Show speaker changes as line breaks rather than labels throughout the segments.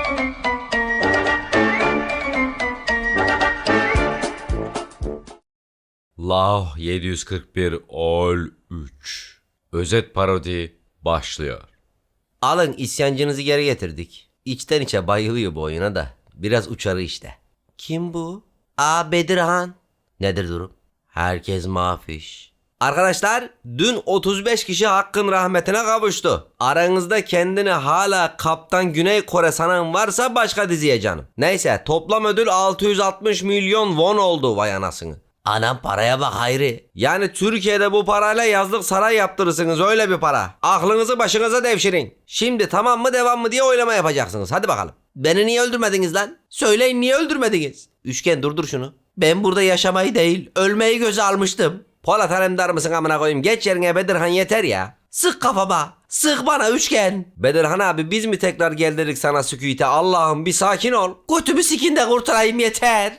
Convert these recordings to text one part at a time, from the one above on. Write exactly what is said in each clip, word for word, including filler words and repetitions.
Law yedi yüz kırk bir Ol üç Özet parodi başlıyor.
Alın, isyancınızı geri getirdik. İçten içe bayılıyor bu oyuna da. Biraz uçarı işte. Kim bu? Aa, Bedirhan. Nedir durum? Herkes mafiş. Arkadaşlar, dün otuz beş kişi Hakk'ın rahmetine kavuştu. Aranızda kendini hala Kaptan Güney Kore sanan varsa başka diziye canım. Neyse, toplam ödül altı yüz altmış milyon won oldu, vay anasını. Anam, paraya bak Hayri. Yani Türkiye'de bu parayla yazlık saray yaptırırsınız, öyle bir para. Aklınızı başınıza devşirin. Şimdi tamam mı devam mı diye oylama yapacaksınız. Hadi bakalım. Beni niye öldürmediniz lan? Söyleyin, niye öldürmediniz? Üçgen, durdur şunu. Ben burada yaşamayı değil, ölmeyi göze almıştım. Polat Alemdar mısın amına koyayım? Geç yerine Bedirhan, yeter ya. Sık kafama. Sık bana Üçgen. Bedirhan abi, biz mi tekrar geldik sana sükûte? Allah'ım bir sakin ol. Götümü sikin de kurtulayım, yeter.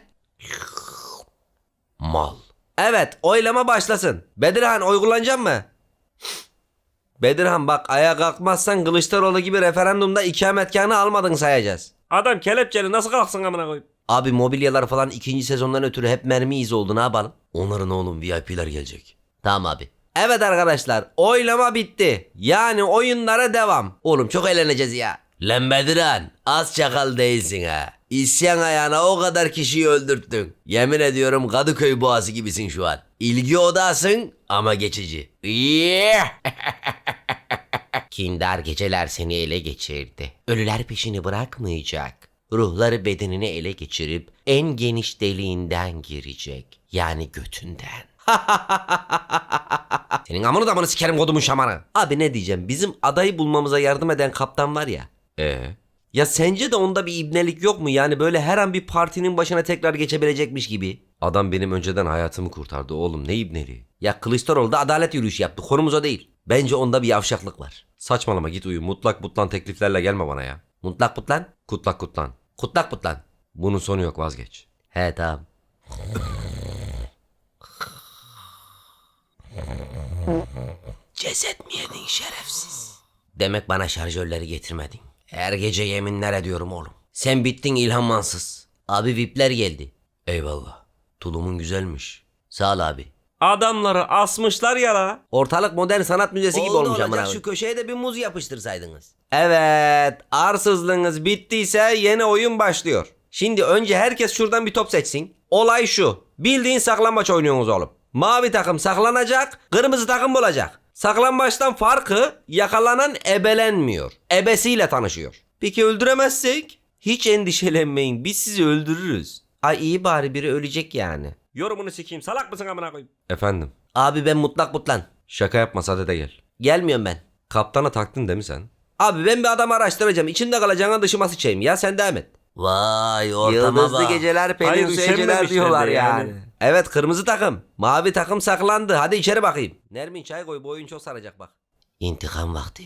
Mal. Evet, oylama başlasın. Bedirhan, oy kullanacak mı? Bedirhan bak, ayağa kalkmazsan Kılıçdaroğlu gibi referandumda ikametgahını almadın sayacağız.
Adam kelepçeli nasıl kalksın amına koyayım?
Abi mobilyalar falan ikinci sezondan ötürü hep mermi izi oldu, ne yapalım? Onların oğlum V I P'ler gelecek. Tamam abi. Evet arkadaşlar, oylama bitti. Yani oyunlara devam. Oğlum çok eğleneceğiz ya. Lan Bedirhan, az çakal değilsin ha. İsyan ayağına o kadar kişiyi öldürttün. Yemin ediyorum Kadıköy boğası gibisin şu an. İlgi odasın ama geçici. Yeah. Kindar geceler seni ele geçirdi. Ölüler peşini bırakmayacak. Ruhları bedenini ele geçirip en geniş deliğinden girecek. Yani götünden. Senin amını damını sikerim kodumun şamanı. Abi ne diyeceğim, bizim adayı bulmamıza yardım eden kaptan var ya.
Ee?
Ya sence de onda bir ibnelik yok mu? Yani böyle her an bir partinin başına tekrar geçebilecekmiş gibi.
Adam benim önceden hayatımı kurtardı oğlum, ne ibneliği.
Ya Kılıçdaroğlu da adalet yürüyüşü yaptı. Konumuz o değil. Bence onda bir yavşaklık var.
Saçmalama, git uyu, mutlak butlan tekliflerle gelme bana ya.
Mutlak putlan.
Kutlak kutlan.
Kutlak putlan.
Bunun sonu yok, vazgeç.
He tamam. Ceset mi yedin şerefsiz? Demek bana şarjörleri getirmedin. Her gece yeminler ediyorum oğlum. Sen bittin İlhan Mansız. Abi V I P'ler geldi.
Eyvallah. Tulumun güzelmiş.
Sağ ol abi.
Adamları asmışlar ya la.
Ortalık modern sanat müzesi gibi olmuş ama. Şu köşeye de bir muz yapıştırsaydınız. Evet, arsızlığınız bittiyse yeni oyun başlıyor. Şimdi önce herkes şuradan bir top seçsin. Olay şu. Bildiğin saklambaç oynuyorsunuz oğlum. Mavi takım saklanacak, kırmızı takım bulacak. Saklambaçtan farkı yakalanan ebelenmiyor. Ebesiyle tanışıyor. Peki öldüremezsek? Hiç endişelenmeyin, biz sizi öldürürüz. Ay iyi, bari biri ölecek yani.
Yorumunu sikeyim, salak mısın amına koyayım?
Efendim?
Abi ben mutlak mutlan.
Şaka yapma, sade de gel.
Gelmiyorum ben.
Kaptana taktın değil mi sen?
Abi ben bir adamı araştıracağım. İçinde kalacağına dışıma sıçayım ya, sen devam et. Vay ortama Yıldızlı bak. Geceler, pelin
Hayır,
geceler
üşenmemişler
diyorlar
de
yani.
yani.
Evet, kırmızı takım. Mavi takım saklandı. Hadi içeri bakayım. Nermin çay koy, bu oyun çok saracak bak. İntikam vakti.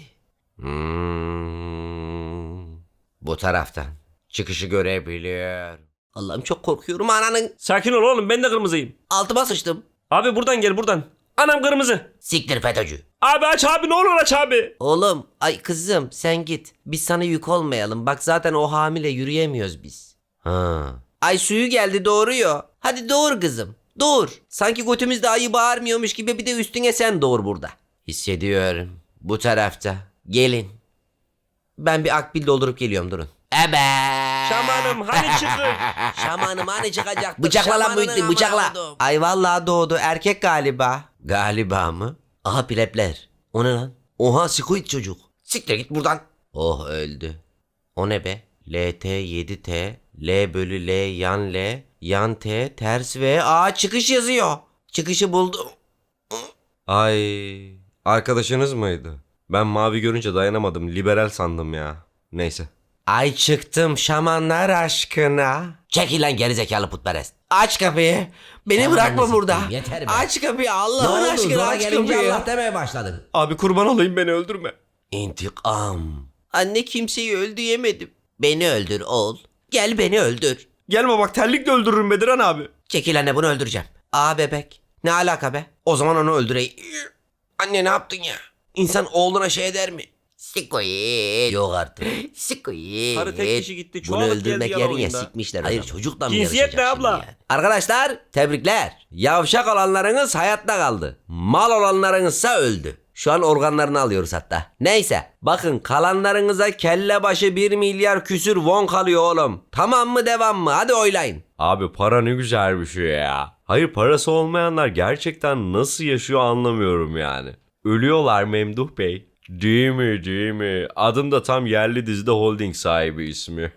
Hmm.
Bu taraftan. Çıkışı görebiliyor. Allah'ım çok korkuyorum ananın.
Sakin ol oğlum, ben de kırmızıyım.
Altıma sıçtım.
Abi buradan gel, buradan. Anam kırmızı.
Siktir FETÖ'cü.
Abi aç abi, ne olur aç abi.
Oğlum, ay kızım sen git. Biz sana yük olmayalım. Bak zaten o hamile, yürüyemiyoruz biz.
Ha.
Ay suyu geldi, doğuruyor. Hadi doğur kızım. Doğur. Sanki götümüzde ayı bağırmıyormuş gibi bir de üstüne sen doğur burada. Hissediyorum. Bu tarafta. Gelin. Ben bir akbil doldurup geliyorum, durun. Ebe.
Şamanım hani çıkın.
Şamanım hani çıkacaktı. Bıçakla lan Muhittin, bıçakla. Ay vallahi doğdu. Erkek galiba. Galiba mı? Aha pilepler. O ne lan? Oha squid çocuk. Siktir git buradan. Oh öldü. O ne be? L T yedi T L bölü L yan L yan T ters V. Aa çıkış yazıyor. Çıkışı buldum.
Ay, arkadaşınız mıydı? Ben mavi görünce dayanamadım, liberal sandım ya. Neyse.
Ay çıktım şamanlar aşkına. Çekil lan gerizekalı putperest. Aç kapıyı. Beni
Şaman
bırakma
nasıl
burada.
diyeyim, yeter be.
Aç kapıyı Allah'ın aşkına, aç kapıyı.
Allah demeye başladın.
Abi kurban olayım, beni öldürme.
İntikam. Anne kimseyi öldüremedim. Beni öldür oğul. Gel beni öldür.
Gelme bak, terlikle öldürürüm Bedirhan abi.
Çekil anne, bunu öldüreceğim. Aa bebek. Ne alaka be? O zaman onu öldüreyim. Anne ne yaptın ya? İnsan oğluna şey eder mi? Sikoyet. Yok artık. Sikoyet.
Karı tek kişi gitti,
Bunu
çoğalıp geldi
öldürmek
yan
yerine
oyunda.
sikmişler. Hayır çocukla mı
Cinsiyet
yarışacak
ne
şimdi
abla?
yani? Arkadaşlar tebrikler. Yavşak olanlarınız hayatta kaldı. Mal olanlarınızsa öldü. Şu an organlarını alıyoruz hatta. Neyse bakın kalanlarınıza kelle başı bir milyar küsür won kalıyor oğlum. Tamam mı devam mı? Hadi oylayın.
Abi para ne güzel bir şey ya. Hayır parası olmayanlar gerçekten nasıl yaşıyor anlamıyorum yani. Ölüyorlar Memduh Bey. Değil mi değil mi? Adım da tam yerli dizide holding sahibi ismi.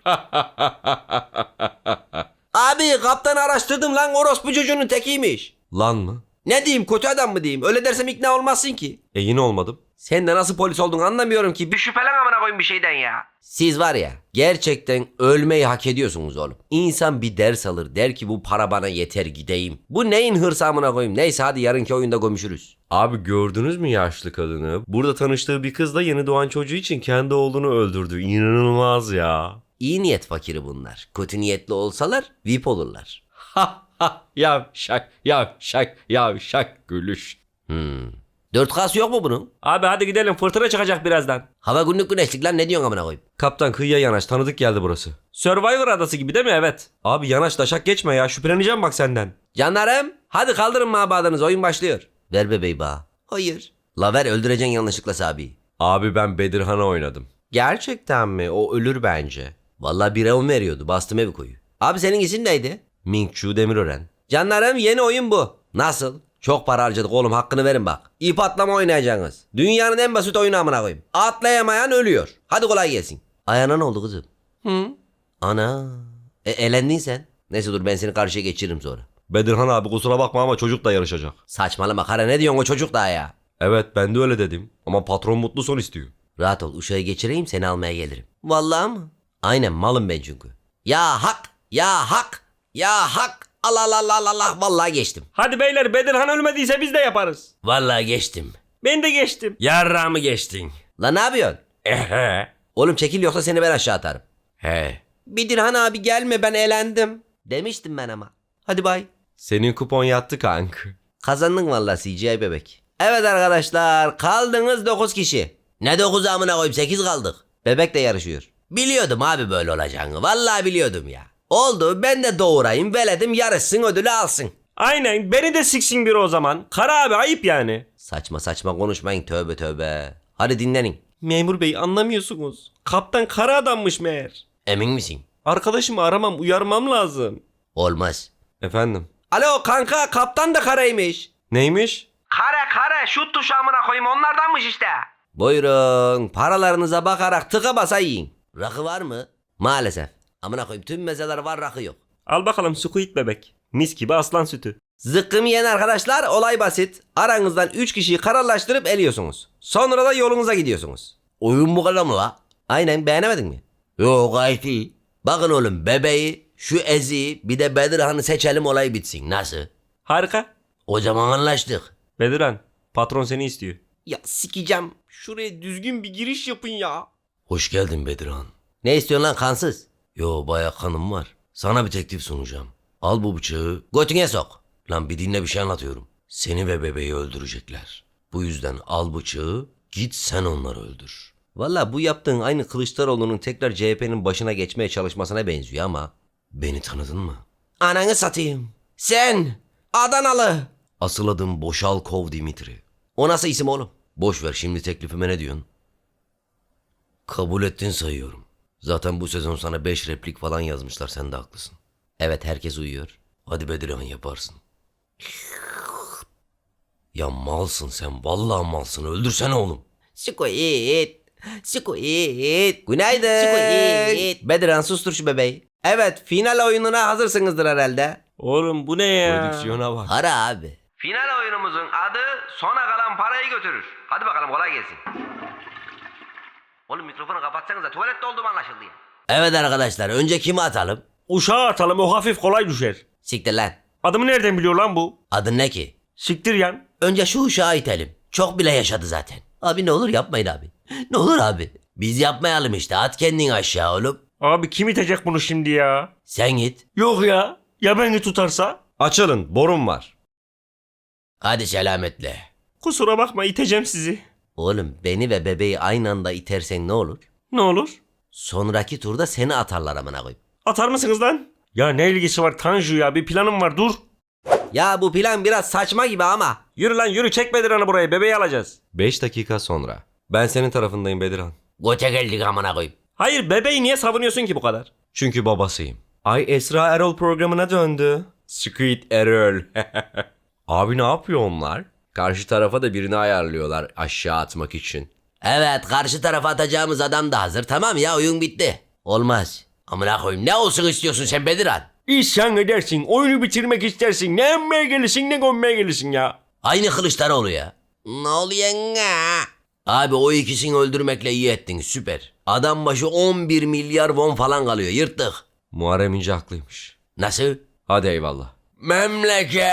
Abi kaptanı araştırdım lan orospu çocuğunun tekiymiş.
Lan mı?
Ne diyeyim kötü adam mı diyeyim? Öyle dersem ikna olmazsın ki.
E yine olmadım.
Sen de nasıl polis olduğunu anlamıyorum ki. Bir şüphelen amına koyayım bir şeyden ya. Siz var ya gerçekten ölmeyi hak ediyorsunuz oğlum. İnsan bir ders alır der ki bu para bana yeter gideyim. Bu neyin hırsı amına koyayım. Neyse hadi yarınki oyunda gömüşürüz.
Abi gördünüz mü yaşlı kadını? Burada tanıştığı bir kız da yeni doğan çocuğu için kendi oğlunu öldürdü. İnanılmaz ya.
İyi niyet fakiri bunlar. Kötü niyetli olsalar V I P olurlar.
Ha ha yavşak yavşak yavşak gülüş.
Hmm. dört K'sı yok mu bunun?
Abi hadi gidelim, fırtına çıkacak birazdan.
Hava günlük güneşlik lan ne diyorsun amına koyayım?
Kaptan kıyıya yanaş tanıdık geldi burası.
Survivor adası gibi değil mi? Evet.
Abi yanaş taşak geçme ya şüpheleneceğim bak senden.
Canlarım hadi kaldırın mabadınız oyun başlıyor. Ver bebeği bana. Hayır. La ver öldüreceksin yanlışlıkla Sabi'yi.
Abi ben Bedirhan'a oynadım.
Gerçekten mi? O ölür bence. Vallahi bir on veriyordu. Bastım evi koyu. Abi senin isim neydi?
Ming Chu Demirören.
Canlarım yeni oyun bu. Nasıl? Çok para harcadık oğlum hakkını verin bak. İp atlama oynayacaksınız. Dünyanın en basit oyunu amına koyayım. Atlayamayan ölüyor. Hadi kolay gelsin. Ayağına ne oldu kızım? Hı? Ana. E, elendin sen. Neyse dur ben seni karşıya geçiririm sonra.
Bedirhan abi kusura bakma ama çocuk da yarışacak.
Saçmalama kara ne diyorsun o çocuk daha ya.
Evet ben de öyle dedim. Ama patron mutlu son istiyor.
Rahat ol uşağı geçireyim seni almaya gelirim. Vallahi mı? Aynen malım ben çünkü. Ya hak ya hak ya hak. Allah Allah Allah Allah Allah vallahi geçtim.
Hadi beyler, Bedirhan ölmediyse biz de yaparız.
Vallahi geçtim.
Ben de geçtim.
Yarrağımı geçtin.
Lan ne yapıyorsun?
Ehe.
Oğlum çekil yoksa seni ben aşağı atarım.
He.
Bedirhan abi gelme ben elendim. Demiştim ben ama. Hadi bay.
Senin kupon yattı kank.
Kazandın vallahi C G I bebek. Evet arkadaşlar kaldınız dokuz kişi. Ne dokuz amına koyup sekiz kaldık. Bebek de yarışıyor. Biliyordum abi böyle olacağını. Vallahi biliyordum ya. Oldu ben de doğurayım veledim yarışsın ödülü alsın.
Aynen, beni de siksin biri o zaman. Kara abi ayıp yani.
Saçma saçma konuşmayın tövbe tövbe. Hadi dinlenin.
Memur bey anlamıyorsunuz. Kaptan kara adammış meğer.
Emin misin?
Arkadaşımı aramam, uyarmam lazım.
Olmaz.
Efendim.
Alo kanka kaptan da karaymış.
Neymiş?
Kare kare şut tuşu amına koyayım onlardanmış işte. Buyurun paralarınıza bakarak tıka basa yiyin. Rakı var mı? Maalesef. Amına koyayım tüm mezeler var rakı yok.
Al bakalım squid bebek. Mis gibi aslan sütü.
Zıkkım yiyen arkadaşlar olay basit. Aranızdan üç kişiyi kararlaştırıp eliyorsunuz. Sonra da yolunuza gidiyorsunuz. Oyun bu kadar mı la? Aynen beğenemedin mi? Yok gayet iyi. Bakın oğlum bebeği, şu Ezi'yi bir de Bedirhan'ı seçelim olay bitsin. Nasıl?
Harika.
O zaman anlaştık.
Bedirhan, patron seni istiyor.
Ya sikeceğim.
Şuraya düzgün bir giriş yapın ya.
Hoş geldin Bedirhan. Ne istiyorsun lan kansız? Yo bayağı kanım var. Sana bir teklif sunacağım. Al bu bıçağı götüne sok. Lan bir dinle bir şey anlatıyorum. Seni ve bebeği öldürecekler. Bu yüzden al bıçağı git sen onları öldür. Valla bu yaptığın aynı Kılıçdaroğlu'nun tekrar C H P'nin başına geçmeye çalışmasına benziyor ama. Beni tanıdın mı? Ananı satayım. Sen Adanalı. Asıl adım Boşalkov Dimitri. O nasıl isim oğlum? Boş ver şimdi teklifime ne diyorsun? Kabul ettin sayıyorum. Zaten bu sezon sana beş replik falan yazmışlar sen de haklısın. Evet herkes uyuyor. Hadi Bedirhan yaparsın. Ya malsın sen vallahi malsın öldürsene oğlum. Squid. Squid. Günaydın. Squid. Bedirhan sustur şu bebeği. Evet final oyununa hazırsınızdır herhalde.
Oğlum bu ne ya?
Prodüksiyona bak.
Hara abi. Final oyunumuzun adı sona kalan parayı götürür. Hadi bakalım kolay gelsin. Oğlum mikrofonu kapatsanıza tuvalette olduğum anlaşıldı ya. Evet arkadaşlar önce kimi atalım?
Uşağı atalım, o hafif kolay düşer.
Siktir lan.
Adımı nereden biliyor lan bu?
Adın ne ki?
Siktir yan.
Önce şu uşağı itelim. Çok bile yaşadı zaten. Abi ne olur yapmayın abi. Ne olur abi. Biz yapmayalım işte at kendini aşağı oğlum.
Abi kim itecek bunu şimdi ya?
Sen git.
Yok ya. Ya beni tutarsa?
Açılın borum var.
Hadi selametle.
Kusura bakma, iteceğim sizi.
Oğlum beni ve bebeği aynı anda itersen ne olur?
Ne olur?
Sonraki turda seni atarlar amına koyayım.
Atar mısınız lan? Ya ne ilgisi var Tanju ya? Bir planım var, dur.
Ya bu plan biraz saçma gibi ama.
Yürü lan yürü, çek Bedirhan'ı buraya, bebeği alacağız.
beş dakika sonra. Ben senin tarafındayım Bedirhan.
Gote geldik amına koyayım.
Hayır, bebeği niye savunuyorsun ki bu kadar?
Çünkü babasıyım. Ay Esra Erol programına döndü. Squid Erol. Abi ne yapıyor onlar? Karşı tarafa da birini ayarlıyorlar aşağı atmak için.
Evet, karşı tarafa atacağımız adam da hazır. Tamam ya, oyun bitti. Olmaz. Amına koyayım, ne olsun istiyorsun sen Bedirhan?
İsyan edersin, oyunu bitirmek istersin. Ne emmeye gelirsin ne gömmeye gelirsin ya.
Aynı Kılıçdaroğlu ya. Ne oluyor ya? Abi o ikisini öldürmekle iyi ettin, süper. Adam başı on bir milyar won falan kalıyor, yırttık.
Muharrem İnce haklıymış.
Nasıl?
Hadi eyvallah.
Memleket.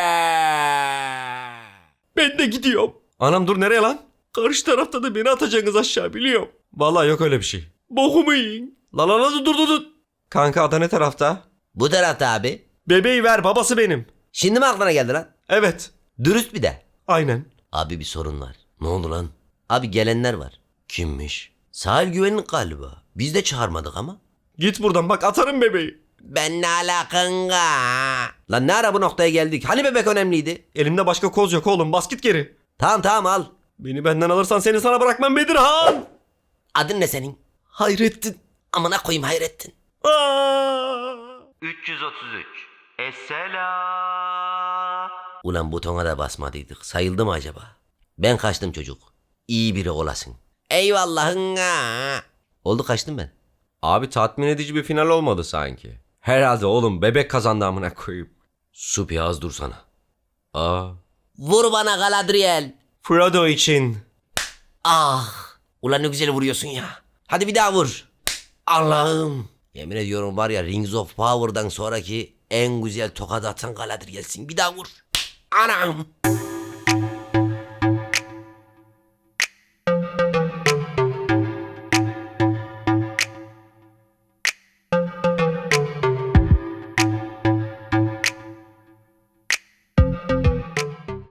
Ben de gidiyorum.
Anam dur, nereye lan?
Karşı tarafta da beni atacaksınız aşağı, biliyorum.
Vallahi yok öyle bir şey.
Bokumu yiyin. La la la, dur dur dur.
Kanka ada ne tarafta?
Bu tarafta abi.
Bebeği ver, babası benim.
Şimdi mi aklına geldi lan?
Evet.
Dürüst bir de.
Aynen.
Abi bir sorun var. Ne oldu lan? Abi gelenler var. Kimmiş? Sahil güvenlik galiba. Biz de çağırmadık ama.
Git buradan, bak atarım bebeği.
Ben ne alakanga? Lan ne ara bu noktaya geldik? Hani bebek önemliydi?
Elimde başka koz yok oğlum, bas git geri.
Tamam tamam al.
Beni benden alırsan seni sana bırakmam Bedirhan.
Adın ne senin?
Hayrettin.
Amına koyayım Hayrettin.
Aa!
üç yüz otuz üç. Esselam. Ulan butona da basmadıydık. Sayıldı mı acaba? Ben kaçtım çocuk. İyi biri olasın. Eyvallahın ha. Oldu, kaçtım ben.
Abi tatmin edici bir final olmadı sanki. Herhalde oğlum bebek kazandı amına koyayım.
Supi az dursana.
Aa.
Vur bana Galadriel.
Frodo için.
Ah. Ulan ne güzel vuruyorsun ya. hadi bir daha vur. Allah'ım. Yemin ediyorum var ya, Rings of Power'dan sonraki en güzel tokat atan Galadriel'sin. Bir daha vur. Anam.